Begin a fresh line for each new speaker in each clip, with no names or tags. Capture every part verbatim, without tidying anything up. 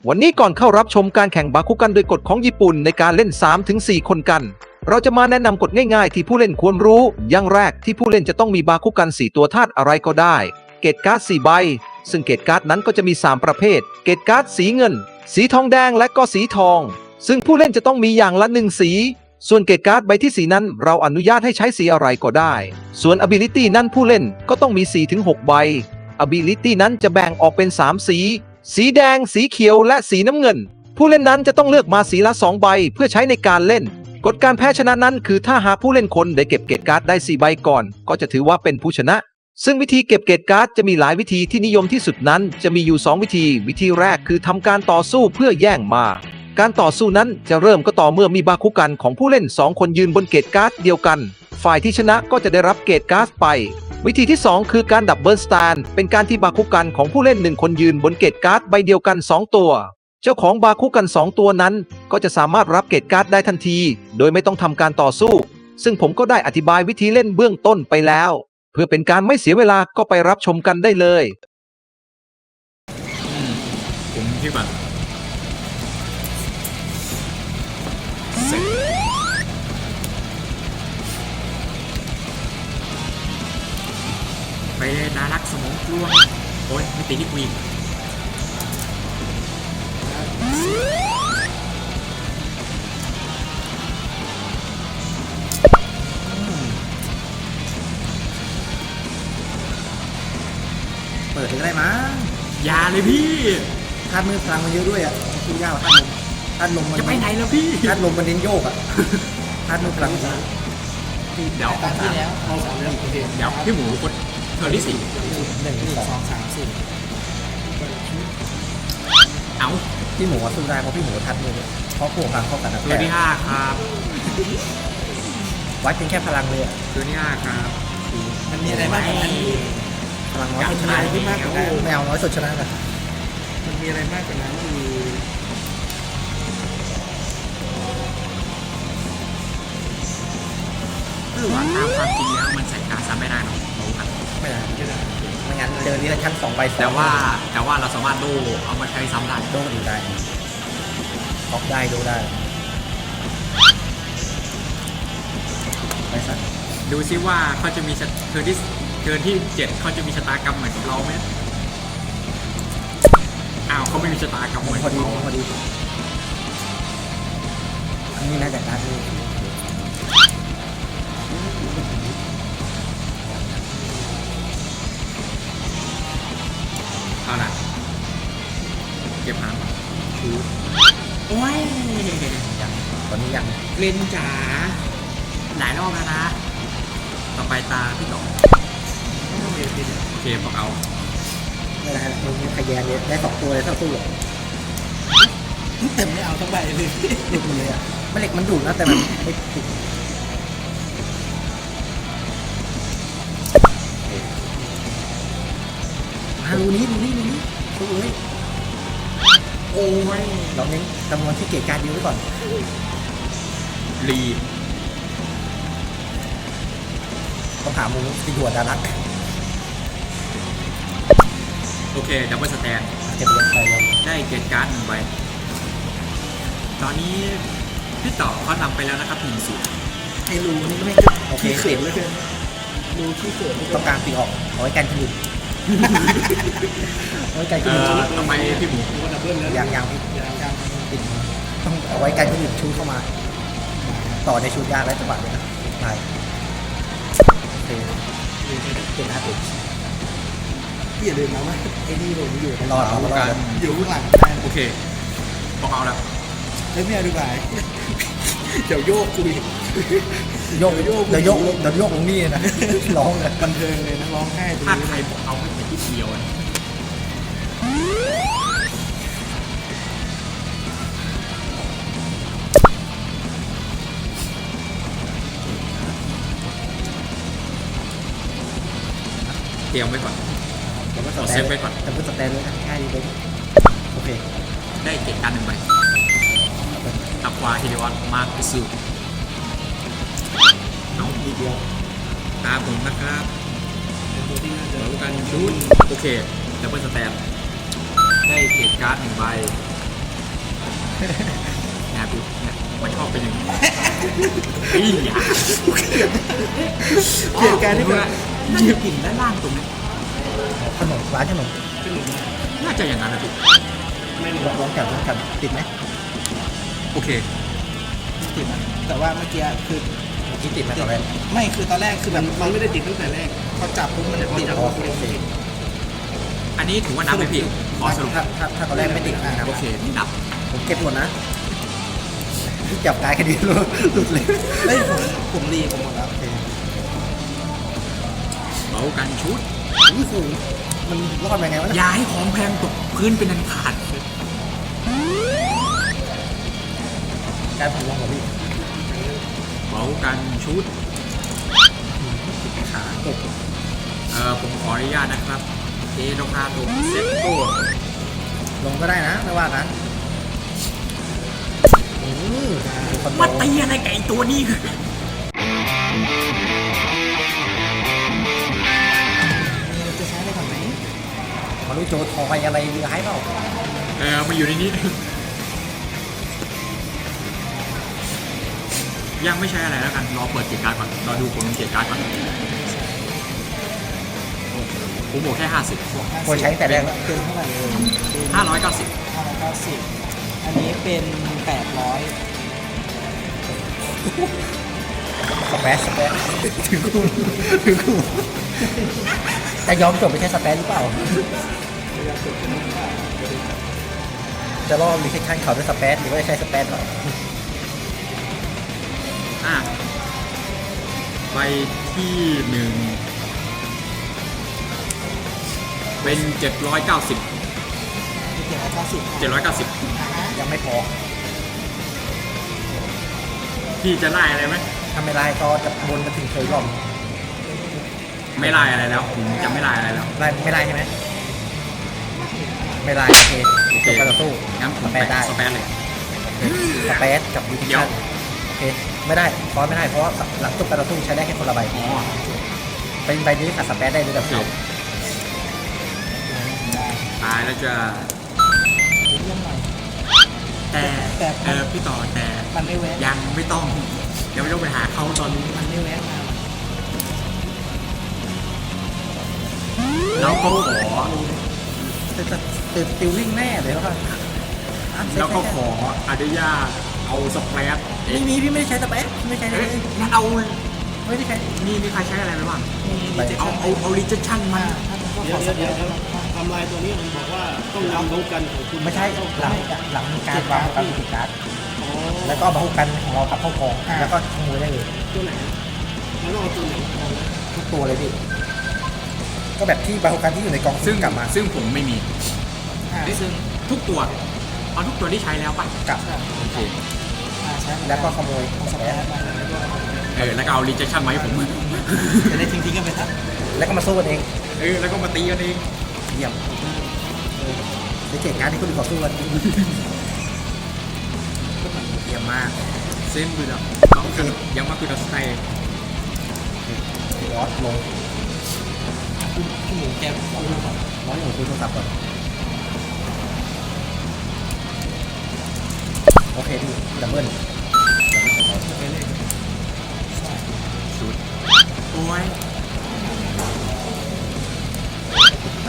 วันนี้ก่อนเข้ารับชมการแข่งบาคุกันโดยกฎของญี่ปุ่นในการเล่น สามถึงสี่ คนกันเราจะมาแนะนำกฎง่ายๆที่ผู้เล่นควรรู้อย่างแรกที่ผู้เล่นจะต้องมีบาคุกันสี่ตัวธาตุอะไรก็ได้เกตการ์ดสี่ใบซึ่งเกตการ์ดนั้นก็จะมีสามประเภทเกตการ์ดสีเงินสีทองแดงและก็สีทองซึ่งผู้เล่นจะต้องมีอย่างละหนึ่งสีส่วนเกตการ์ดใบที่สีนั้นเราอนุญาตให้ใช้สีอะไรก็ได้ส่วน ability นั้นผู้เล่นก็ต้องมี สี่ถึงหก ใบ ability นั้นจะแบ่งออกเป็นสามสีสีแดงสีเขียวและสีน้ำเงินผู้เล่นนั้นจะต้องเลือกมาสีละสองใบเพื่อใช้ในการเล่นกฎการแพ้ชนะนั้นคือถ้าหากผู้เล่นคนได้เก็บเกตการ์ดได้สี่ใบก่อนก็จะถือว่าเป็นผู้ชนะซึ่งวิธีเก็บเกตการ์ดจะมีหลายวิธีที่นิยมที่สุดนั้นจะมีอยู่สองวิธีวิธีแรกคือทำการต่อสู้เพื่อแย่งมาการต่อสู้นั้นจะเริ่มก็ต่อเมื่อมีบาคุกันของผู้เล่นสองคนยืนบนเกตการ์ดเดียวกันฝ่ายที่ชนะก็จะได้รับเกตการ์ดไปวิธีที่สองคือการดับเบิลสแตนเป็นการที่บาคุกันของผู้เล่นหนึ่งคนยืนบนเกตการ์ดใบเดียวกันสองตัวเจ้าของบาคุกันสองตัวนั้นก็จะสามารถรับเกตการ์ดได้ทันทีโดยไม่ต้องทำการต่อสู้ซึ่งผมก็ได้อธิบายวิธีเล่นเบื้องต้นไปแล้วเพื่อเป็นการไม่เสียเวลาก็ไปรับชมกันได้เลย
ผมที่แบบไปเลยน่ารักสมองกลวงโอ้ยไม่ตีที่กูอีก
เปิดถึงได้มั้ง
ยาเลยพี่
ธาตุมือพลังมันเยอะด้วยอ่ะคือยากธาตุลมธาตุลมมัน
จะไปไหนแล้วพี่
ธาตุลมมันเน้นโยกอ่ะธาตุมือพลังเ
ดี๋ยว
ตอนที่แล้วเราสามเรื่องโอเค
เดี๋ยวพี่หมูกดเทอร์ที่สี่
หนึ่งสองสามสี่
เอา
พี่หมูสู้ได้เพราะพี่หมูธาตุมือเพราะพวกพลังเข้ากันนะ
เทอร์ที่ห้าครับ
วัดเป็นแค่พลังเลยอ่ะ
เทอร์ที่ห้าครับ
มันมีอะไรบ้างพลังน้อยสุดชนะขึ้นมากกว่านั้นไม่เอาน้อยสุดชนะกันมันมีอะไรมากกว่านั้นคือ
คือว่าตามความจริงแล้วมันใส่การซ้ำไม่ได้หรอกรู้กัน
ไม่ได้ไม่งั้นเจอนี้ละชั้นสองใบ
แต่ว่าแต่ว่าเราสามารถโดเอามาใช้ซ้ำได้
โดดูได้ท็อกได้ดูได้ไปสัก
ดูซิว่าเขาจะมีเทอร์ที่เทิร์นที่เจ็ดเขาจะมีชะตากรรมเหมือนกับเราไหมอ้าวเขาไม่มีชะตากรรมเหมือน
พอดี
เรา
พอดีอันนี้น่าจะการดู
เอาล่ะเก็บหางชูโอ้ย
ยังตอนนี้ยัง
เล่นจ๋าหลายรอบแล้วนะต่อไปตาพี่ต่อโอเคบอกเอา
ไม่ได้มึงขยันเลยได้สองตัวเลยเท่าตู้แต่ไม่เอาทั้งใบเลยหลุดเลยอ่ะไม่เหล็กมันดูดนะแต่มันไม่ติดมาดูนี้ดูนี้ดูนี้ตู้เลย
โอ้ย
เราเน้นจำนวนที่เกตการเดียวไว้ก่อน
รี
ต้องหามุมที่หัวดารัก
โอเคดับเบิลสแตน
เก็บเงินไปเลย
ได้เกตการ์ดหนึ่งใบตอนนี้พี่ต่อเขานำไปแล้วนะครับหนึ่งศูนย์
ไอ้รูนี่ไม่โอเคเสร็จแล้วเลยรูที่เสร็จต้องการปีออกเอาไว้กันคนอื่นเอาไว้กันคนอื่น
ทำไมพี่หมู
ยังยังยังติดต้องเอาไว้กันคนอื่นชูเข้ามาต่อในชุดยากและจังหวะเลยนะไปโอเคเป็นหน้าติดพี่อย่าลืมนะว่าไอ้นี่ผมอยู่รอรอรออยู่ข้างหลัง
โอเคบอกเอาแล้ว
แล้วเนี่ยดูไปเดี๋ยวโยกคุยโยกโยกเดี๋ยวโยกเดี๋ยวโยกตรงนี้นะร้องเลยบันเทิงเลยนะร้องไห้
ถ้าใครบอกเอาไม่เป็นที่เดียวเตรียมไว้ก่อน
ขอเซฟไว้ก่อนแต่เพื่อสแตนเลยนะง่ายดีเลยโอเค
ได้เก็บการหนึ่งใบตับวาฮิเดวัตมาร์คซูเอา
อีกเดียว
ตาผมนะครับเหมือนกันชุดโอเคดับเบิลสแตนได้เก็บการ์ดหนึ่งใบนะพี่เนี่ยมันชอบเป็นอย่างนี้ไอ้ยา
เกลียดการที่
อ๋อ
แบบ
น่าจะกลิ่นด้านล่างตรงนี้
ขนมร้านขนม
น่าจะอย่างนั้นนะพี่
ลองจับลองจับติดไหม
โอเค
ติดอะแต่ว่าเมื่อกี้คือ
เมื่อกี้ติดไหมตอนแรก
ไม่คือตอนแรกคือแบบ
มันไม่ได้ติดตั้งแต่แรก
พอจับปุ๊บมันจะติด
อ๋อโอเค
อันนี้ถือว่านับไหมพี่ขอสรุป
ถ้าถ้าถ้าตอนแรกไม่ติดนะ
โอเคนี่นับ
ผมเก็บหมดนะจับกายคดีรู้หลุดเลย
เฮ้ยผมผมรีผมหมดแล้ว
โอเค
เบากันชุด
นี่คือมันรอดไปไงวะเนี่ย
อย่าให้ของแพงตกพื้นเป็นอันขาด
การผมลองกับพี่
เบากันชุด
ขาตก
เอ่อผมขออนุญาตนะครับเอโดคาโตเซตโต
ลงก็ได้นะไม่ว่านะอืมคอนโด
มาตีอะไรกับไอ้ตัวนี้
จะใช้ได้ก่อนไหม
มารู้โจทอยอะไรร้ายเปล่า
เออมาอยู่ในนี้ ยังไม่ใช่อะไรแล้วกันรอเปิดเกียร์การ์ดก่อนรอดูผลของเกียร์การ์ดก่อนผมบอกแค่ห้าสิบ
ควรใช้ตั้งแต่แรกแล้ว
เป็นเท่าไหร่เลยเป็น
ห้าร้อยเก้าสิบ
ห้าร้อยเก้าสิบอันนี้เป็นแปดร้อย
สเปซสเปซถึงกูถึงกูจะยอมจบไปแค่สเปซหรือเปล่า จะรอบรีเซคชั่นเขาด้วยสเปซหรือว่าจะใช้สเปซหรอ
อ่ะไปที่หนึ่งเป็นเจ็ดร้อยเก้าสิบ
เจ็ดร้อยเก้าสิบ
เจ็ดร้อยเก้าสิบ
ยังไม่พอ
พี่จะไล่อะไรไหม
ถ้าไม่ไล่ก็จะวนมาถึงเคยรอบ
ไม่ไล่อะไรแล้วผมจะไม่ไล่อะไรแล้ว
ไล่ไม่ไล่ใช่ไหมไม่ไล่โอเค
โอเค
จบการต่อสู้
งั้นผ
ส
ม
เป
ไป
ซได้
สเปนเลย
สเปซกับรีเซค
เดี๋ยว
ชั่นโอเคไม่ได้ฟอนไม่ได้เพราะว่าหลังจบการต่อสู้ใช้ได้แค่คนละใบ
อ๋อ
เป็นใบนี้กับสเปซได้ด้วยแบบเดียว
ตายแล้วจะ
เรื่องหน่อย
แต่
แต่
เออพี่ต่อแต่
มันไม่แวะ
ยังไม่ต้องเดี๋ยวไม่ต้องไปหาเขาตอนนี้
มันไม่แวะมา
แล้วก็ขอ
ตื่นตื่นติวลิ่งแน่เลยว่า
แล้วก็ขออนุญาตเอาสเปรดเอ๊ะ
ไม่มีพี่ไม่ได้ใช้สเปซไม่ใช้เล
เอ๊ะ
ย
งั้นเอา
ไม่ได้ใช้
นี่มีใครใช้อะไรไปบ้าง
ไป
เอาเอาเอาลิเจชั่นมา
ถ้าเป็นพวก
เดี๋
ข
ย
อ
ว
ง
เดี๋ยว
ส
เดี๋ยว
เปซ
ทำลายตัวนี้มันบอกว่าต้องนำรู้กันของคุณ
ไม่ใช่หลังหลังมีการวางการติดการ์ด
อ๋อ
แล้วก็เอามาคู่กันของเรากับเข้ากองแล้วก็ขโมยได้เลย
ตัวไหนแล้วเราเอาตัวไหนเอา
ทุกตัวเลยพี่ก็แบบที่บาฮูกันที่อยู่ในกอง
ซึ่ง
กลับมา
ซึ่งผมไม่มี
อ่าซึ่ง
ทุกตัวเอาทุกตัวที่ใช้แล้วป่ะ
กลับ
โอเค
อ่าใช้หมด
แล้วก็ขโมย
ของสเปซมาแล้วก็
เออแล้วก็เอาลิเจชั่นมาให้ผม
จะได้ทิ้งๆกันไปทั้ง
แล้วก็มาสู้กันเอง
เออแล้วก็มาตีกันเอง
เยี่ยมในเกตการ์ดที่คุณต่อสู้กันเยี่ยมมาก
เส้นบุดอ่ะต้องคือยังมาคือดัสไต
รอสลง
พี่หมูแกเอาดูก่อน
น้อยหนูคุยโทรศัพท์ก่อนโอเคพี่ดับเบิ้ล
ไปเลยใช่
ชุดโอ้ย
ไป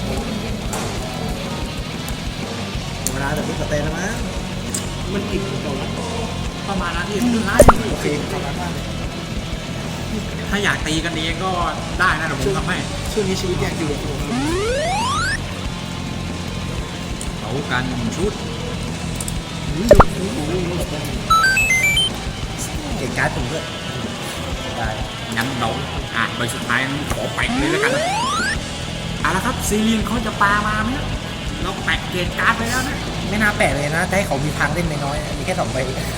เวลาแต่พี่สเตนแล้วมั้ง
มันติดของเราแล้ว
ประมาณนั้นที่คือไล่
โอเค
ขอบคุณมากเลย
ถ้าอยากตีกันเองก็ได้นะเดี๋ยวผมทำให้
ช่วงนี้ชีวิตยากอยู่
เอากันชุด
เกตการ์ดผมด้วยได้
งั้นเราอ่ะใบสุดท้ายขอแปะเลยแล้วกันนะเอาละครับซีรีนเขาจะปามาไหมนะเราแปะเกณฑ์การ์ดไปแล้วนะ
ไม่น่าแปะเลยนะจะให้เขามีทางเล่นน้อยๆมีแค่สองใบ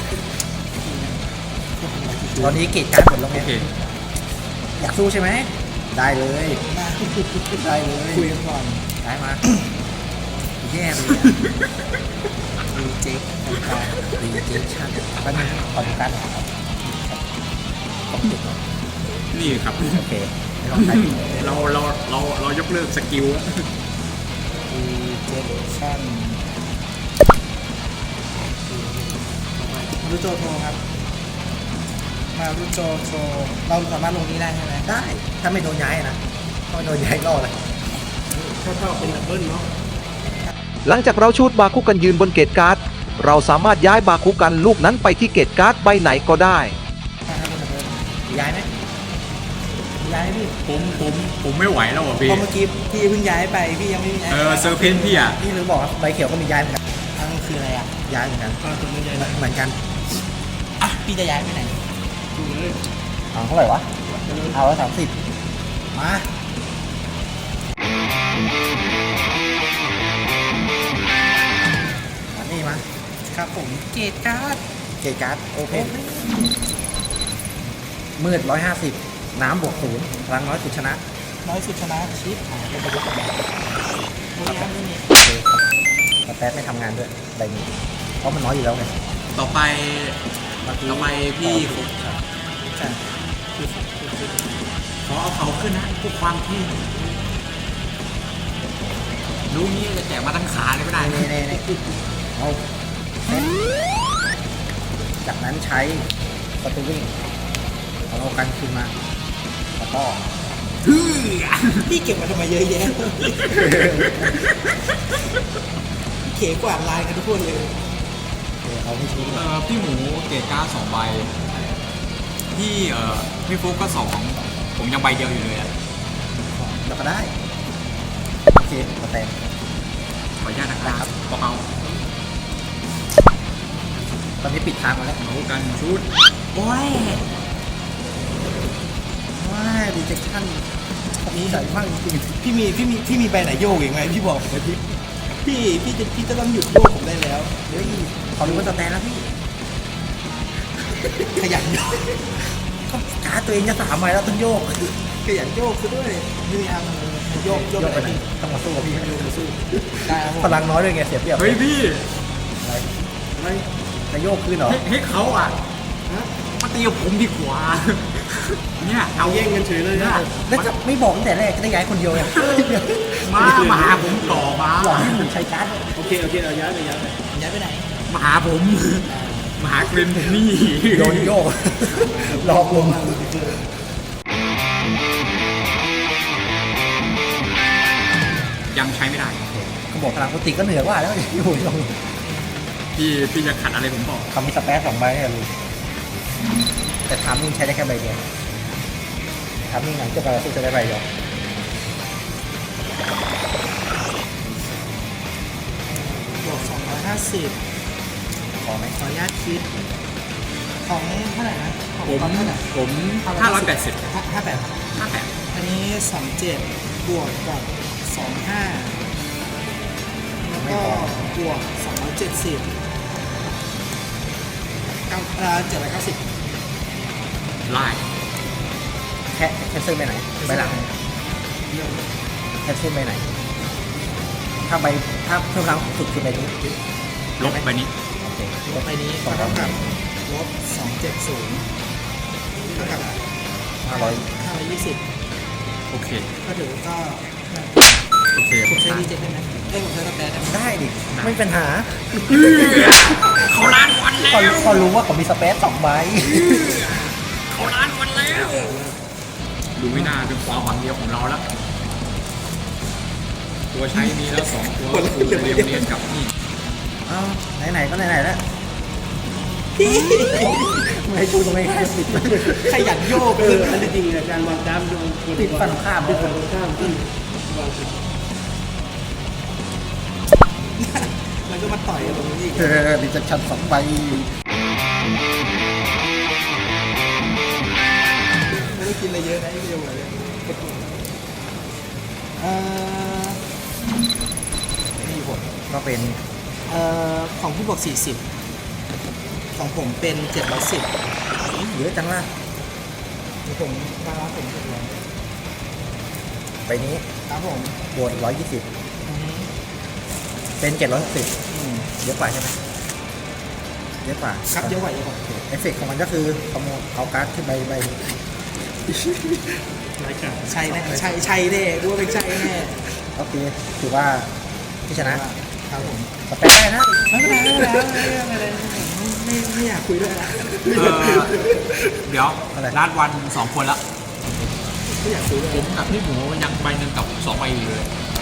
ตอนนี้เกตการ์ดหมดแล้วไง
โอเค
อยากสู้ใช่ไหมได้เลย
มา
ได้เลย
คุยกันก่อน
ได้มาแย่เลยรีเจ็คการรีเจ็คชั่นแป๊บนึงขอดูการ์ดหน่อยครับขอบคุณครับ
นี่ครับ
โอเคไม่ต้องใช้
เราเราเราเรายกเลิกสกิลแล้ว
รีเจคชั่นรุโจโทครับ มารุโจโทเราสามารถลงนี้ได้ใช่ไหม
ได้ ถ้าไม่โดนย้ายนะถ้าไม่โดนย้ายรอดเลย
ถ้าเท่าเป็นดับเบิลเนาะ
หลังจากเราชูดบาคุกันยืนบนเกตการ์ด เราสามารถย้ายบาคุกันลูกนั้นไปที่เกตการ์ดใบไหนก็ได้
ถ้าเป็นแบบเดิม
ย้ายไหม
ย้ายไหมพี่
ผมผมผมไม่ไหวแล้วอ่ะพี่
เพราะเมื่อกี้พี่เพิ่งย้ายไปพี่ยังไม่มีย้าย
เออเซอร์เพนพี่อ่ะ
นี่ลืมบอกว่าใบเขียวก็มีย้ายเหมือนกัน
อันนั้นคืออะไรอ่ะ
ย้ายเหมือนกัน
อ่าตัวนี้ใหญ่นะ
เหมือนกัน
อ่ะพี่จะย้ายไปไหน
ดูเลย
เอาเท่าไหร่วะ เอาแล้วสามสิบมามานี่มา
ครับผมเกตการ์ด
เกตการ์ดโอเพนมืดร้อยห้าสิบน้ำบวกศูนย์พลังน้อยสุดชนะ
น้อยสุดชนะชิปอ่าเป็นประยุกต์กันไม่มีครับไม่มี
โอเคแต่แป๊ดไม่ทำงานด้วยใบนี้เพราะมันน้อยอยู่แล้วไง
ต่อไป
เมื่อกี้
ต่อไปพี่ผม
ใช่
ขอเอาเขาขึ้นนะพวกความที่รู้งี้จะแจกมาทั้งขาเลยก็ได้
เน่เน่เน่เอาเซ็ตจากนั้นใช้ประตูวิ่งเอาเอากันคืนมาแล้วก็
พี่เก็บมาทำไมเยอะแยะเขกวาดลายกันทุกคนเลย
เออเอาไม่ทิ้ง
เออพี่หมูเกรดการ์ดสองใบพี่เอ่อพี่ฟุกก็สองผมยังใบเดียวอยู่เลยอ่ะ
แล้วก็ได้โอเคมาแตง
ขออนุญาตนะครับเบา
ตอนนี้ปิดทางมาแล้ว
ๆเอากันชุด
โอ้ยว้ายดีเจชั่นมีใส่มากจริง
พี่มีพี่มีพี่มีใบไหนโยกอีกไหมพี่บอกเลยพี่พี่พี่จะพี่จะต้องหยุดโยกผมได้แล้ว
ๆเฮ้ยเขารู้ว่าจะแตนแล้วพี่
ขยันโยก
ก็การ์ดตัวเองจะสามใบแล้วต้องโยก
ขยันโยกซะด้วยนี่อ่ะมันโยกโยก
โยก
ไป
ไป
ไห
ไห
น
นต้องมาสู้กับพี่
โยกมาสู้ได้ครับผม
พลังน้อยด้วยไงเสียเปรียบ
เฮ้ยพี่
อะไรอะไรจะโยกขึ้นเหรอ
ให้ให้เขาอ่ะมาตีกับผมดีกว่าเนี่ยเอา
แย่งกันเฉยเลยนะ
แล้วจะไม่บอกตั้งแต่แรกจะได้ย้ายคนเดียวไง
มามาหาผมต่อมา
หลอกให้หมุนใช้การ์ด
โอเคโอเคเอาย้ายไปย้ายไป
ย้ายไปไหน
มาหาผมมาหาเกรนผมนี่
โดนโยกหลอกลวง
ยังใช้ไม่ได้
เขาบอกพลังปกติก็เหนือกว่าแล้วอยู่ลอง
พี่พี่จะขัดอะไรผมบอก
คำมีสเปซสองใบให้รู้แต่ทามมิ่งใช้ได้แค่ใบเดียวทามมิ่งหลังจะไปสู้จะได้ใบเดียว
บวกสองร้อยห้าสิบ
พอไหม
ขออนุญาตคิด ของเท่าไหร่นะของ
ผม
ตอนเท่าไหร่
ผมห้าร้อยแปดสิบ
ห้าห้าแปด
ห้าแปด
อันนี้สองเจ็ดบวกกับสองห้าแล้วก็บวกสองร้อยเจ็ดสิบเก้าเอ่อเจ็ดร้อยเก้าสิบ
ไล่
แค่แค่ซื้อไปไหนใบหลังแค่ซื้อไปไหน ถ้าใบถ้าเพิ่มพลังสุดคือใบนี้
ลบไปนี้
โอเค
ลบไปนี้
สอง
เท่า
ร้อย
กับลบสองเจ็ดศูนย์เท่ากับ
ห้าร้อย
ห้าร้อยยี่สิบ
โอเค
ก็ถือก็
โอเค
ผมใช้ดีเจ็ดได้ไหมเอ้ยผมใช้สแปรได้ไหม
ได้ดิไม่มีปัญหา
เขาล้านวัน
พอ
แล้ว
พอรู้ว่าเขามีสเปซสองใบ
เขาล้านวันแล้วดูไม่น่าเป็นความหวังเดียวของเราแล้ว ตัวใช้มีแล้วสองตัวคือเรียมเรียนกับนี่
อ้าวไหนๆก็ไหนๆแล้วไม่ให้กูตรงนี้ให้ปิด
ขยันโยก
เอ
เล
อย อันที่จริงเนี่ยการวางกรามโดนกด
ปิดฝั่งข้าม
ปิดฝั่งตรงข้ามที่วางผิด
มันก็มาต่อยกับตรงนี้อีก
เออดิจัดชันสองใบ
ไม่ได้กินอะไรเยอะนะไอ้เดียวเลยเอ่อ
มีผลก็เป็น
เอ่อของพี่บอกสี่สิบของผมเป็นเจ็ดร้อยสิบ
เยอะจังล่ะ
ของผมบาลานซ์ผมเจ็ดร้อย
ใบนี้
ครับผม
บวกร้อยยี่สิบ
อือฮึ
เป็นเจ็ดร้อยหกสิบ
อืม
เยอะกว่าใช่ไหมเยอะกว่า
ครับเยอะกว่าเยอะกว่า
เอฟเฟกต์ของมันก็คือขโมยเอาการ์ดขึ้นใบใบนี้
รายการ
ใช่แน่ใช่ใช่แน่กูว่าเป็นใช่แน่
โอเคถือว่าที่ชนะครับ
ผม
สเปซได้นะ
ไม่เป็นไรไม่เป็นไรไม่เป็นไรไม่ไม่อยากอยากคุยด้วยละ
เออเดี๋ยว
อะไร
ร้านวันสองคนละ
ไม่อยากคุยด้วย
ผมกับพี่หมูยังใบหนึ่งกับสองใบอยู่เลย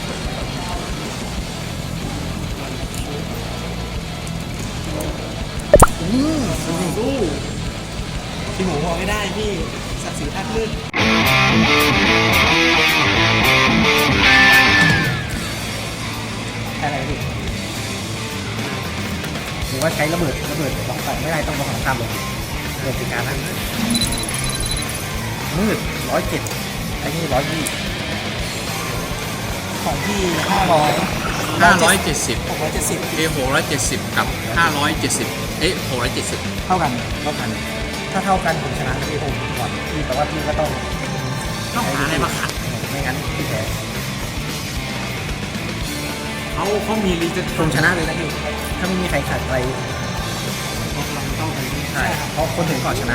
อืม
สู้พี่หมูบอกไม่ได้พี่ศักดิ์ศรีท่านลื่น
อะไรพี่หรือว่าใช้ระเบิดระเบิดสองฝั่งไม่ได้ต้องมาของข้ามลงระเบิดเป็นการนั้นมืดร้อยเจ็ดไอ้นี่ร้อยยี่
ของพี่ห้าร้อย
ห้าร้อยเจ็ดสิบ
หกร้อยเจ็ดสิบ
เอหกร้อยเจ็ดสิบกับห้าร้อยเจ็ดสิบเอ๊ะหกร้อยเจ็ดสิบ
เท่ากัน
เท่ากัน ถ้าเท่ากันผมชนะพี่ผมก่อนพี่แต่ว่าพี่ก็ต้อง
ต้องหาอะไรมาขัด
ไม่งั้นพี่แพ้
เขาเขามีรีเจน
ผมชนะเลยนะพี่ถ้าไม่มีใครขัดอะไร
เราเท่ากัน
ใช่เพราะคนถึงก่อนชนะ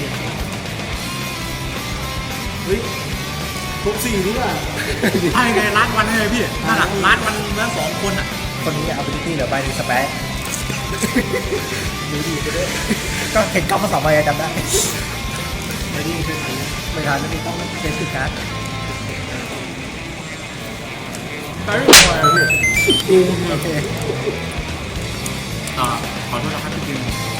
เฮ้ยครบสี่หรือเปล่า
ใช่ไงร้านวันเลยพี่นั่นแหละร้านวันแล้วสองคนอ่ะ
คนนี้เอาไปที่เหลือใบหนึงสเปซดูดีไปด้วยก็เห็นกล้องมาสองใบอะจำได้
ไม่ได้เคยทัน
ไม่ทันแล้วพี่ต้องเช็คคือการ์ด
ไปไม่ไหวพี่
โอเค
อ่าขอโทษนะครับพี่จิม